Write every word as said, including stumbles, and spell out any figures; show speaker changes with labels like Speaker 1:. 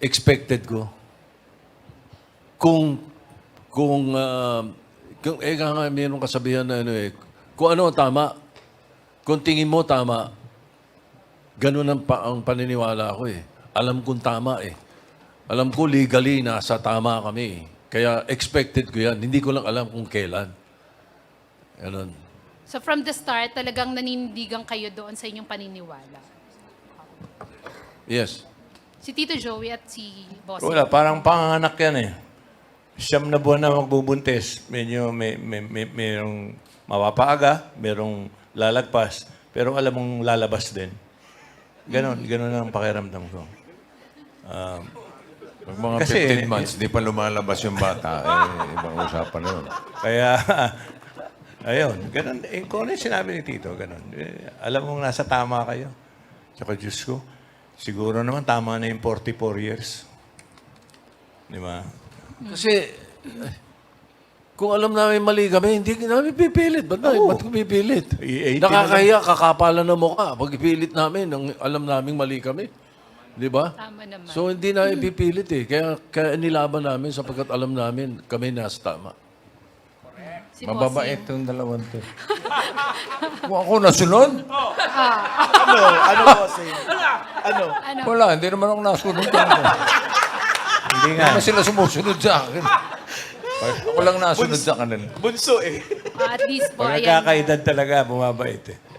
Speaker 1: expected ko. Kung, kung, uh, kung eh nga mayroong kasabihan na ano eh, kung ano ang tama, kung tingin mo tama, ganun ang, pa, ang paniniwala ko eh. Alam kong tama eh. Alam ko legally nasa tama kami eh. Kaya expected ko yan. Hindi ko lang alam kung kailan. Ganun.
Speaker 2: So from the start, talagang nanindigan kayo doon sa inyong paniniwala.
Speaker 1: Yes.
Speaker 2: Si Tito Joey at si Boss.
Speaker 3: Wala, parang panganak yan eh. Siyam na buwan na magbubuntis. Medyo may, may, may, mayroong mapapaaga, mayroong lalagpas, pero alam mong lalabas din. Ganon, ganon ang pakiramdam ko. Um,
Speaker 4: Pag mga
Speaker 3: Kasi-
Speaker 4: fifteen months, di pa lumalabas yung bata, eh, ibang usapan na yun.
Speaker 3: Kaya, ayun, ganon. Eh, kung ano yung sinabi ni Tito, ganon. Eh, alam mong nasa tama kayo. Tsaka, Diyos ko, siguro naman tama na yung forty-four years. Di ba?
Speaker 1: Kasi, eh, kung alam namin mali kami, hindi namin pipilit. Ba't, na, ba't ko pipilit?
Speaker 3: I- eighty
Speaker 1: Nakakahiya, kakapalan na mukha. Pag ipilit namin, ang alam namin mali kami. Di ba?
Speaker 2: Tama naman.
Speaker 1: So, hindi namin pipilit eh. Kaya, kaya nilaban namin sapagkat alam namin kami nasa tama.
Speaker 2: si
Speaker 4: Mababait
Speaker 2: Bossing.
Speaker 4: yung dalawang to. Kung ako nasunod?
Speaker 5: Ano? Ano po, Sir? Ano?
Speaker 2: Ano?
Speaker 4: Wala, hindi naman ako nasunod. Hindi
Speaker 3: Hindi nga.
Speaker 4: naman sila sumusunod sa akin. Ako lang nasunod sa kanila.
Speaker 5: Bunso eh.
Speaker 2: Ah, at least po,
Speaker 3: Pag
Speaker 2: ayan.
Speaker 3: nagkakaedad talaga, bumabait eh.